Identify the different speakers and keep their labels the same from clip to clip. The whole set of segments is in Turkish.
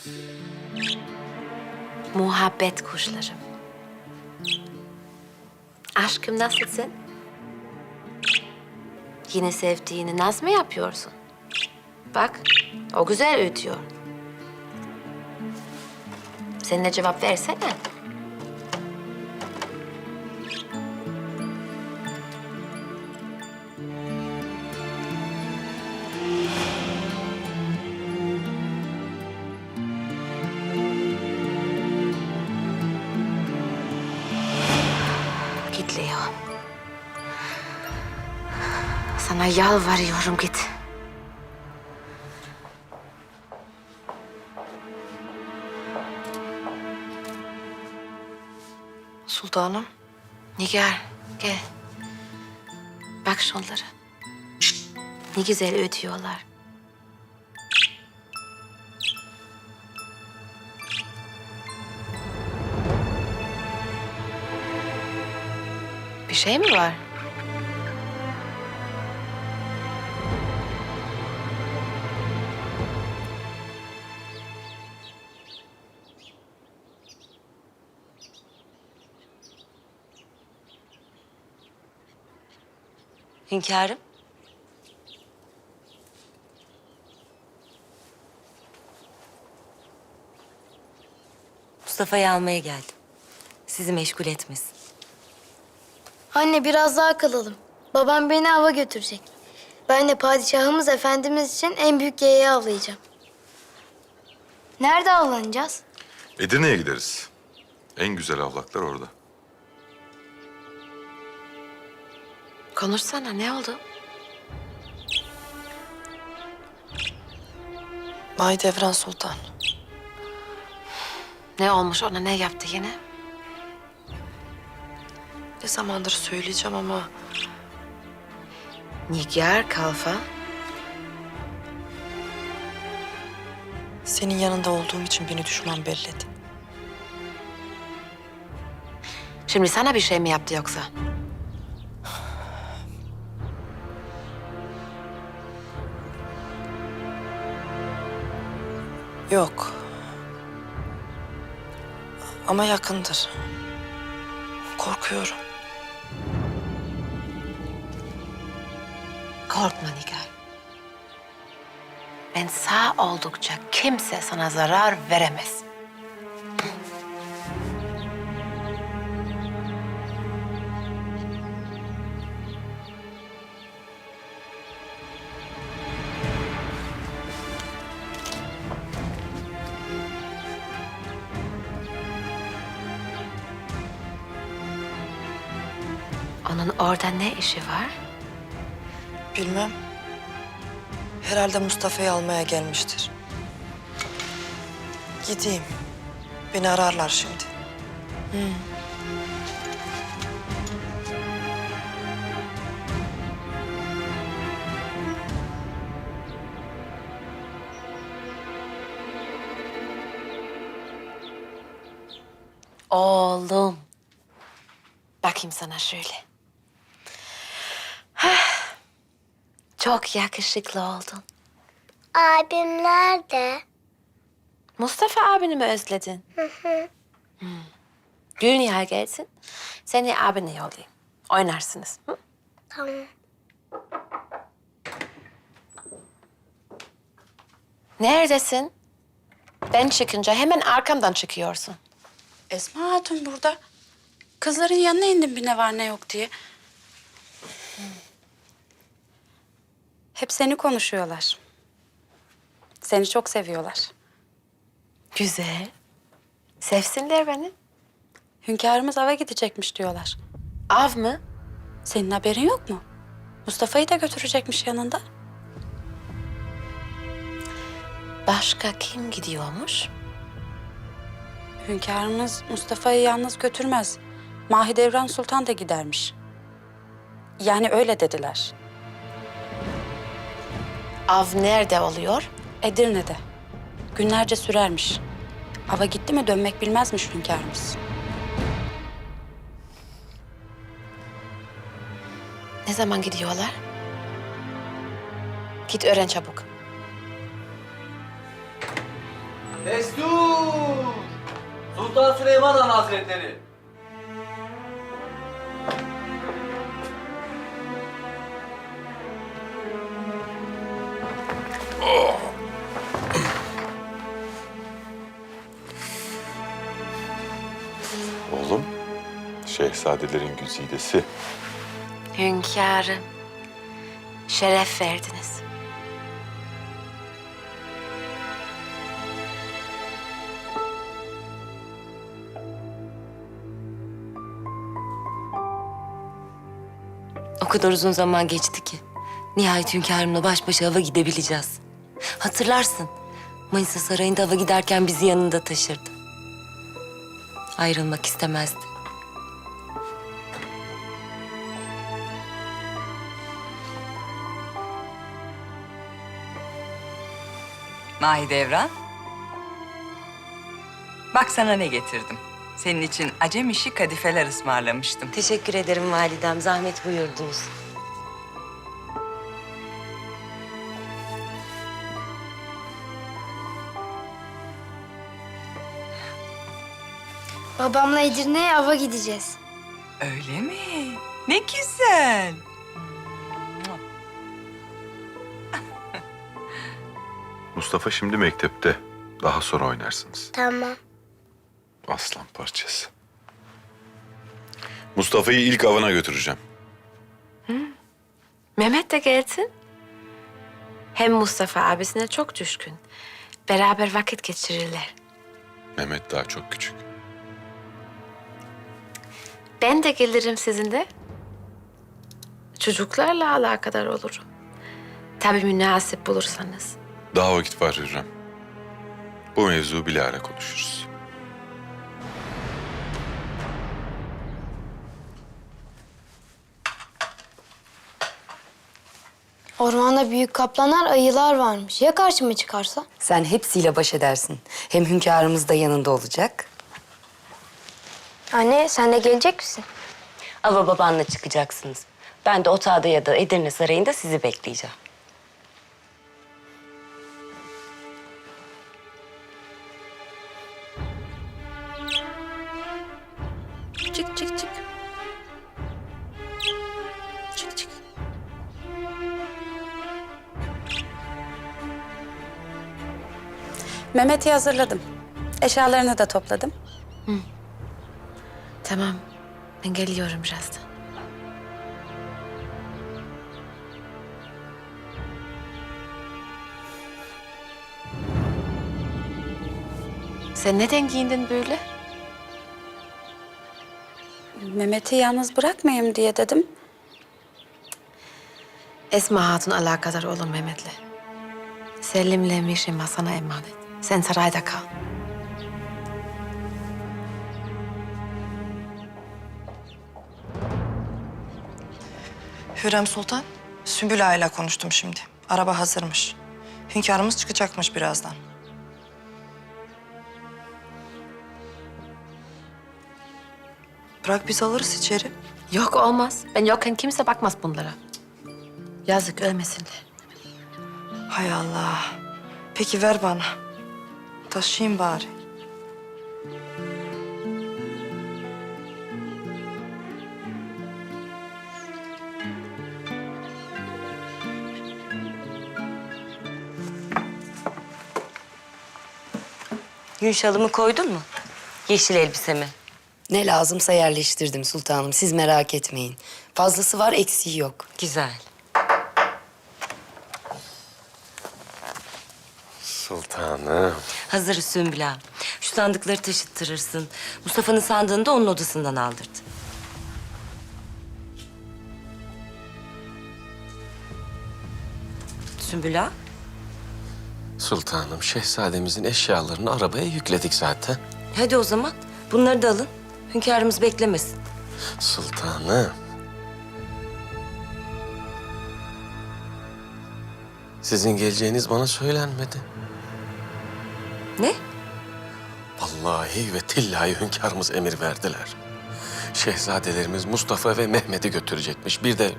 Speaker 1: Muhabbet kuşlarım. Aşkım nasılsın? Yine sevdiğini naz mı yapıyorsun? Bak, o güzel ötüyor. Sen de cevap versene. Git Leo. Sana yalvarıyorum git.
Speaker 2: Sultanım.
Speaker 1: Nigar, gel. Bak şunlara. Ne güzel ötüyorlar. Bir şey mi var?
Speaker 2: Hünkârım. Mustafa'yı almaya geldim. Sizi meşgul etmesin.
Speaker 3: Anne biraz daha kalalım. Babam beni ava götürecek. Ben de padişahımız efendimiz için en büyük yeğeyi avlayacağım. Nerede avlanacağız?
Speaker 4: Edirne'ye gideriz. En güzel avlaklar orada.
Speaker 1: Konuşsana, ne oldu?
Speaker 2: Mahidevran Sultan.
Speaker 1: Ne olmuş ona, ne yaptı yine?
Speaker 2: Ne zamandır söyleyeceğim ama
Speaker 1: Nigar Kalfa.
Speaker 2: senin yanında olduğum için beni düşman belledi.
Speaker 1: Şimdi sana bir şey mi yaptı yoksa?
Speaker 2: Yok. Ama yakındır. Korkuyorum.
Speaker 1: Korkma Nigar. Ben sağ oldukça kimse sana zarar veremez. Onun orada ne işi var?
Speaker 2: Bilmem. Herhalde Mustafa'yı almaya gelmiştir. Gideyim. Beni ararlar şimdi.
Speaker 1: Oğlum. Bakayım sana şöyle. Hah. Çok yakışıklı oldun.
Speaker 3: Abim nerede?
Speaker 1: Mustafa abini mi özledin? Hmm. Dünya gelsin. Seni abine yollayayım. Oynarsınız. Hı?
Speaker 3: Tamam.
Speaker 1: Neredesin? Ben çıkınca hemen arkamdan çıkıyorsun.
Speaker 5: Esma Hatun burada. Kızların yanına indim bir ne var ne yok diye. Hep seni konuşuyorlar. Seni çok seviyorlar.
Speaker 1: Güzel. Sevsinler beni.
Speaker 5: Hünkârımız ava gidecekmiş diyorlar.
Speaker 1: Av mı?
Speaker 5: Senin haberin yok mu? Mustafa'yı da götürecekmiş yanında.
Speaker 1: Başka kim gidiyormuş?
Speaker 5: Hünkârımız Mustafa'yı yalnız götürmez. Mahidevran Sultan da gidermiş. Yani öyle dediler.
Speaker 1: Av nerede oluyor?
Speaker 5: Edirne'de. Günlerce sürermiş. Ava gitti mi dönmek bilmezmiş hünkârımız.
Speaker 1: Ne zaman gidiyorlar? Git öğren çabuk.
Speaker 6: Destur! Sultan Süleyman Han Hazretleri.
Speaker 4: Oğlum, şehzadelerin güzidesi.
Speaker 1: Hünkârım, şeref verdiniz. O kadar uzun zaman geçti ki. Nihayet hünkârımla baş başa hava gidebileceğiz. Hatırlarsın, Manisa Sarayı'nda hava giderken bizi yanında taşırdı. Ayrılmak istemezdi.
Speaker 7: Mahidevran. Bak sana ne getirdim. Senin için acem işi kadifeler ısmarlamıştım.
Speaker 1: Teşekkür ederim validem, zahmet buyurdunuz.
Speaker 3: Babamla Edirne'ye ava gideceğiz.
Speaker 7: Öyle mi? Ne güzel.
Speaker 4: Mustafa şimdi mektepte. Daha sonra oynarsınız.
Speaker 3: Tamam.
Speaker 4: Aslan parçası. Mustafa'yı ilk avına götüreceğim.
Speaker 1: Mehmet de gelsin. Hem Mustafa abisine çok düşkün. Beraber vakit geçirirler.
Speaker 4: Mehmet daha çok küçük.
Speaker 1: Ben de gelirim sizinle. Çocuklarla alakadar olurum. Tabii münasip bulursanız.
Speaker 4: Daha vakit var Hürrem. Bu mevzu bilahare konuşuruz.
Speaker 3: Ormanda büyük kaplanlar, ayılar varmış. Ya karşıma çıkarsa?
Speaker 8: Sen hepsiyle baş edersin. Hem hünkârımız da yanında olacak.
Speaker 3: Anne sen de gelecek misin?
Speaker 1: Ava babanla çıkacaksınız. Ben de otağda ya da Edirne Sarayı'nda sizi bekleyeceğim. Çık çık çık. Çık çık.
Speaker 5: Mehmet'i hazırladım. Eşyalarını da topladım.
Speaker 1: Tamam. Ben geliyorum birazdan. Sen neden giyindin böyle?
Speaker 5: Mehmet'i yalnız bırakmayayım diye dedim.
Speaker 1: Esma Hatun alakadar olun Mehmet'le. Selim'le Mişima sana emanet. Sen sarayda kal.
Speaker 2: Hürrem Sultan, Sümbül Ağa ile konuştum şimdi. Araba hazırmış. Hünkârımız çıkacakmış birazdan. Bırak biz alırız içeri.
Speaker 1: Yok olmaz. Ben yokken kimse bakmaz bunlara. Yazık ölmesinler.
Speaker 2: Hay Allah. Peki ver bana. Taşıyayım bari.
Speaker 1: Gün şalımı koydun mu? Yeşil elbisemi.
Speaker 8: Ne lazımsa yerleştirdim sultanım. Siz merak etmeyin. Fazlası var, eksiği yok.
Speaker 1: Güzel.
Speaker 9: Sultanım.
Speaker 1: Hazır Sümbül Ağa. Şu sandıkları taşıttırırsın. Mustafa'nın sandığını da onun odasından aldırdı. Sümbül Ağa.
Speaker 9: Sultanım, şehzademizin eşyalarını arabaya yükledik zaten.
Speaker 1: Hadi o zaman bunları da alın. Hünkârımız beklemesin.
Speaker 9: Sultanım. Sizin geleceğiniz bana söylenmedi.
Speaker 1: Ne?
Speaker 9: Vallahi ve tillahi hünkârımız emir verdiler. Şehzadelerimiz Mustafa ve Mehmet'i götürecekmiş. Bir de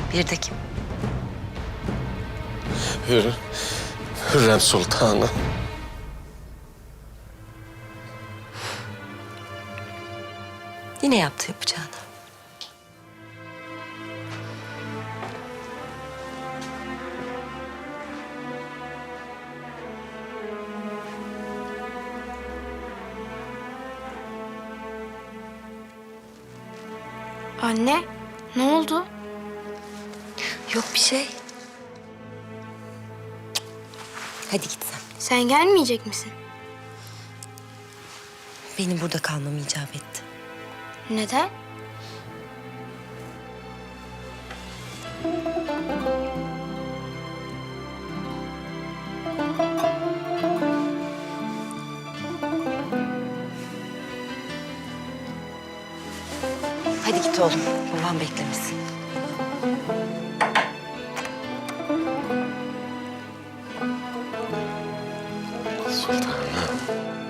Speaker 1: Bir de kim?
Speaker 9: Hürrem Sultanı.
Speaker 1: Yine yaptı yapacağını.
Speaker 3: Anne, ne oldu?
Speaker 1: Yok bir şey. Hadi git sen.
Speaker 3: Sen gelmeyecek misin?
Speaker 1: Benim burada kalmam icap etti.
Speaker 3: Neden?
Speaker 1: Hadi git oğlum. Babam beklemesin.
Speaker 9: Sultanım.